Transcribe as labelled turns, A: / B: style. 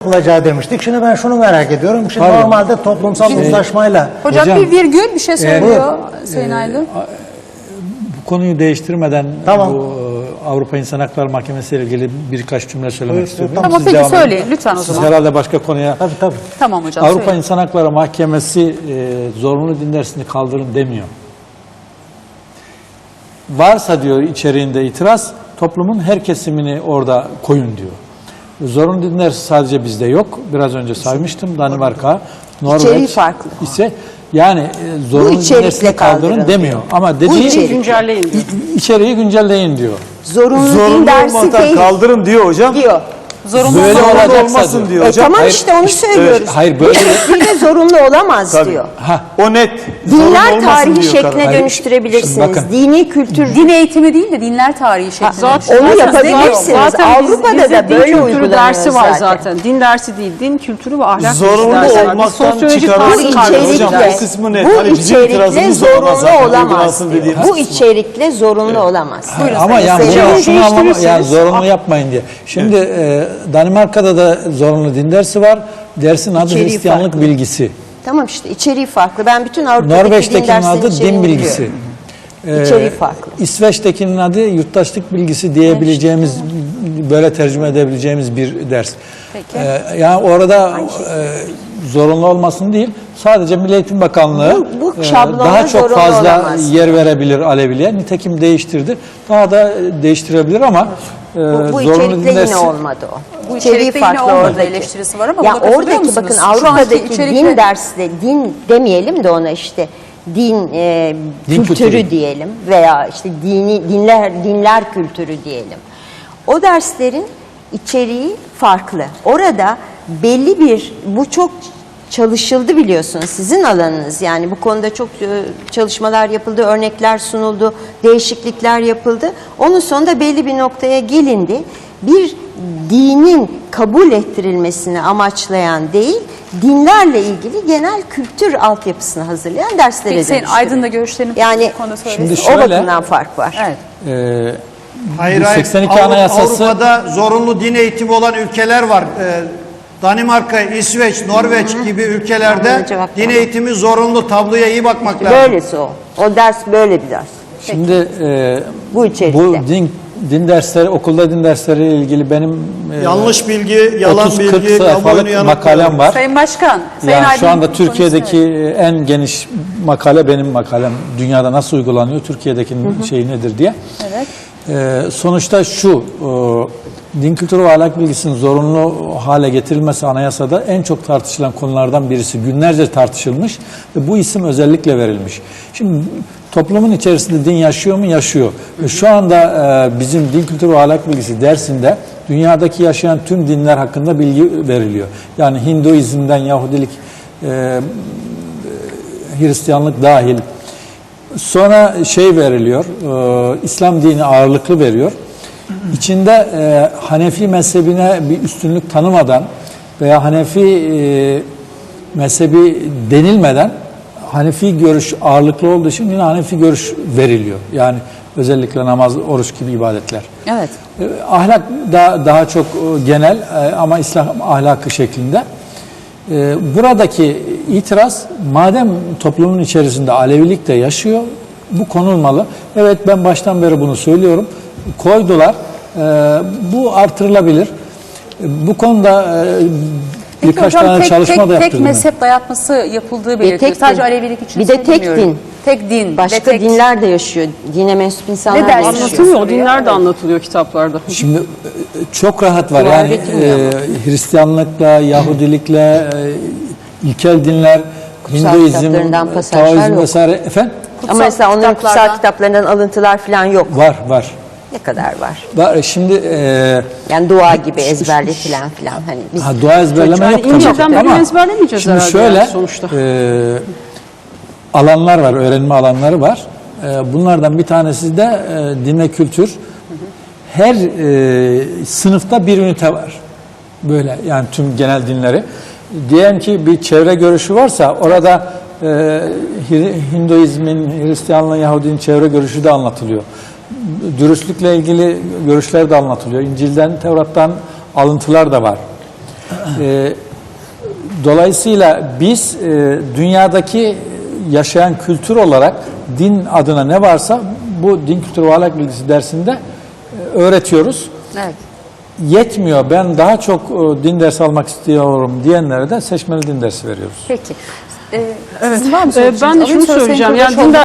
A: yapılacağı demiştik. Şimdi ben şunu merak ediyorum. Şimdi
B: Pardon.
A: normalde toplumsal uzlaşmayla...
C: Hocam bir virgül bir şey söylüyor Sayın Aydın.
B: Bu konuyu değiştirmeden
A: Tamam.
B: bu Avrupa İnsan Hakları Mahkemesi ile ilgili birkaç cümle söylemek istiyorum.
A: Tamam,
B: Siz
C: peki
B: devam edin.
C: söyleyin lütfen o
B: Siz
C: zaman.
B: herhalde başka konuya...
A: Tabii.
C: Tamam hocam
B: Avrupa
C: söyleyin.
B: İnsan Hakları Mahkemesi zorunlu din dersini kaldırın demiyor. Varsa diyor içeriğinde itiraz, toplumun her kesimini orada koyun diyor. Zorunlu din dersi sadece bizde yok. Biraz önce saymıştım. Danimarka,
D: İçeriği
B: Norveç
D: farklı.
B: ise yani zorunlu din
D: içerikle
B: dersini kaldırın
D: kaldırın
B: demiyor.
D: diyor.
B: Ama
D: Bu
B: dediği
D: içerik.
E: Güncelleyin diyor.
B: içeriği güncelleyin diyor.
D: Zorunlu din dersi
F: olmadan
D: değil
F: kaldırın diyor hocam.
D: diyor.
C: Zorunlu
B: Böyle
C: olmadan-
B: olacaksa
F: olmasın
B: diyor.
F: diyor hocam.
D: Tamam
B: Hayır,
D: işte onu söylüyoruz.
B: hayır,
D: Bu
B: böyle-
D: şekliyle zorunlu olamaz
F: Tabii.
D: diyor.
B: Ha,
F: O net. Zorunlu
D: Dinler
F: olmasın
D: tarihi
F: diyor
D: şekline
F: karar.
D: dönüştürebilirsiniz.
B: Şimdi bakın.
D: Dini kültür
C: Din eğitimi değil de dinler tarihi şeklinde.
E: Zaten
D: onu
E: zaten
D: yapabilirsiniz.
E: zaten
D: Avrupa'da
E: bizde
D: da
E: din
D: böyle
E: kültürü
D: uygulanıyor
E: dersi var
D: zaten.
E: zaten. Din dersi değil, din kültürü ve ahlak
F: Zorunlu
E: dersi var. Biz
F: olmaktan
E: sosyoloji
F: çıkarılsın.
E: tarihi
D: Bu
E: kaldırıyoruz
F: hocam,
D: içerikle,
F: bu kısmı net.
D: bu
F: Hani bizim
D: içerikle
F: itirazımız olmaz
D: zorunlu
F: zaten,
D: olamaz
F: uygulansın
D: diyor.
F: dediğimiz
D: Bu
F: kısmı.
D: içerikle zorunlu olamaz.
B: ama yani
D: Mesela-
B: bunu şunu anlama, yani
E: değiştirirsiniz.
B: zorunlu yapmayın diye. Şimdi Danimarka'da da zorunlu din dersi var. Dersin adı
D: İçeriği
B: Hristiyanlık
D: farklı.
B: bilgisi.
D: Tamam işte içeriği farklı. Ben bütün Avrupa'daki din
B: Norveç'tekinin
D: derslerinin
B: adı din
D: içeriğini
B: bilgisi.
D: biliyorum. İçeriği farklı.
B: İsveç'tekinin adı yurttaşlık bilgisi diyebileceğimiz, böyle tercüme edebileceğimiz bir ders.
C: Peki.
B: Yani orada zorunlu olmasın değil, sadece Milli Eğitim Bakanlığı
D: Bu şablonda
B: daha çok
D: zorunlu
B: fazla
D: olamaz.
B: yer verebilir Aleviliğe. Nitekim değiştirdi. Daha da değiştirebilir ama
D: Bu
B: zorunlu
D: içerikle
B: din
D: yine
B: dersi...
D: olmadı o.
C: Bu
D: İçeriği
C: içerikte yine
D: farklı
C: olmadı
D: oradaki.
C: eleştirisi var ama
D: Ya
C: buna katılıyor
D: oradaki
C: musunuz?
D: bakın
C: Şu anki
D: Avrupa'daki
C: içerikle-
D: din dersinde din demeyelim de ona işte din,
B: Din
D: kültürü
B: kültürü.
D: diyelim veya işte dinler kültürü diyelim. O derslerin içeriği farklı. Orada belli bir bu çok çalışıldı biliyorsunuz sizin alanınız yani bu konuda çok çalışmalar yapıldı, örnekler sunuldu, değişiklikler yapıldı. Onun sonunda belli bir noktaya gelindi. Bir dinin kabul ettirilmesini amaçlayan değil, dinlerle ilgili genel kültür altyapısını hazırlayan derslere
C: Peki Sayın
D: dönüştürüyor.
C: Aydın da görüşlerini
D: Yani
C: bu konuda söylesin.
B: Şimdi
D: o
B: şöyle-
D: bakımdan fark var.
C: Evet.
G: Hayır,
B: Bu
G: hayır.
B: 82 Anayasası...
G: Avrupa'da zorunlu din eğitimi olan ülkeler var. Danimarka, İsveç, Norveç gibi
D: Bana
G: ülkelerde
D: cevap
G: din
D: ver.
G: eğitimi zorunlu. Tabloya iyi bakmak lazım.
D: Böylesi o. O ders böyle bir ders.
B: Şimdi
D: Bu içerikte.
B: bu din dersleri, okulda din dersleriyle ilgili benim
G: Yanlış bilgi, yalan
B: 30-40
G: bilgi, kamuoyunu
B: sayfalık makalem
G: yanıltıyor.
B: var.
C: Sayın Başkan, Sayın
B: Yani
C: Aydın
B: şu anda
C: konuşsun,
B: Türkiye'deki
C: evet.
B: en geniş makale benim makalem. Dünyada nasıl uygulanıyor, Türkiye'dekinin şeyi nedir diye.
C: Evet.
B: Sonuçta şu, din kültürü ve ahlak bilgisinin zorunlu hale getirilmesi anayasada en çok tartışılan konulardan birisi. Günlerce tartışılmış ve bu isim özellikle verilmiş. Şimdi toplumun içerisinde din yaşıyor mu? Yaşıyor. Şu anda bizim din kültürü ve ahlak bilgisi dersinde dünyadaki yaşayan tüm dinler hakkında bilgi veriliyor. Yani Hinduizm'den Yahudilik, Hristiyanlık dahil. Sonra şey veriliyor, İslam dini ağırlıklı veriyor. İçinde Hanefi mezhebine bir üstünlük tanımadan veya Hanefi mezhebi denilmeden Hanefi görüş ağırlıklı olduğu için yine Hanefi görüş veriliyor. Yani özellikle namaz, oruç gibi ibadetler.
C: Evet.
B: Ahlak daha çok genel ama İslam ahlakı şeklinde. Buradaki itiraz, madem toplumun içerisinde Alevilik de yaşıyor, bu konulmalı. Evet, ben baştan beri bunu söylüyorum. Koydular. Bu artırılabilir. Bu konuda
C: Peki
B: birkaç
C: hocam,
B: tane çalışma da
C: tek
B: yaptırdım.
C: mezhep dayatması yapıldığı belirtiliyor.
D: tek
C: Sadece
D: din.
C: Alevilik için
D: Bir de tek
C: söylemiyorum.
D: din.
C: Tek din.
D: Başka
C: ve tek...
D: dinler de yaşıyor. Dine mensup insanlar
C: Ne
D: da
C: dersi
D: yaşıyor.
E: Anlatılıyor,
C: soruyor.
E: dinler de anlatılıyor kitaplarda.
B: Şimdi çok rahat var.
D: Dua
B: Yani
D: getirmiyor ama.
B: Hristiyanlıkla, Yahudilikle, ilkel dinler,
D: Kutsal
B: Hinduizm,
D: kitaplarından pasajlar
B: Taoizm
D: yok.
B: vesaire. Efendim?
D: Ama mesela onların kutsal
C: kitaplardan-
D: kitaplarından alıntılar falan yok.
B: Var.
D: Ne kadar var?
B: Şimdi
D: Yani dua gibi ezberletilen falan. Hani biz
B: dua ezberleme
E: Yani
B: yok tabii.
E: İncil'den bölüm
B: Ama
E: ezberlemeyeceğiz
B: şimdi
E: herhalde
B: şöyle
E: yani sonuçta.
B: alanlar var, öğrenme alanları var. Bunlardan bir tanesi de din ve kültür. Her sınıfta bir ünite var. Böyle yani tüm genel dinleri. Diyelim ki bir çevre görüşü varsa orada Hinduizmin, Hristiyanlığın, Yahudinin çevre görüşü de anlatılıyor. Dürüstlükle ilgili görüşler de anlatılıyor. İncil'den, Tevrat'tan alıntılar da var. Dolayısıyla biz dünyadaki yaşayan kültür olarak din adına ne varsa bu din kültürü ve ahlak bilgisi dersinde öğretiyoruz.
C: Evet.
B: Yetmiyor, ben daha çok din dersi almak istiyorum diyenlere de seçmeli din dersi veriyoruz.
C: Peki.
E: Evet.
C: Sizin var mı
E: Ben de
C: söyleyeceğiniz?
E: şunu
C: Alayım, sonra
E: söyleyeceğim.
C: Sayın
E: Yani
C: Kurdaşoğlu.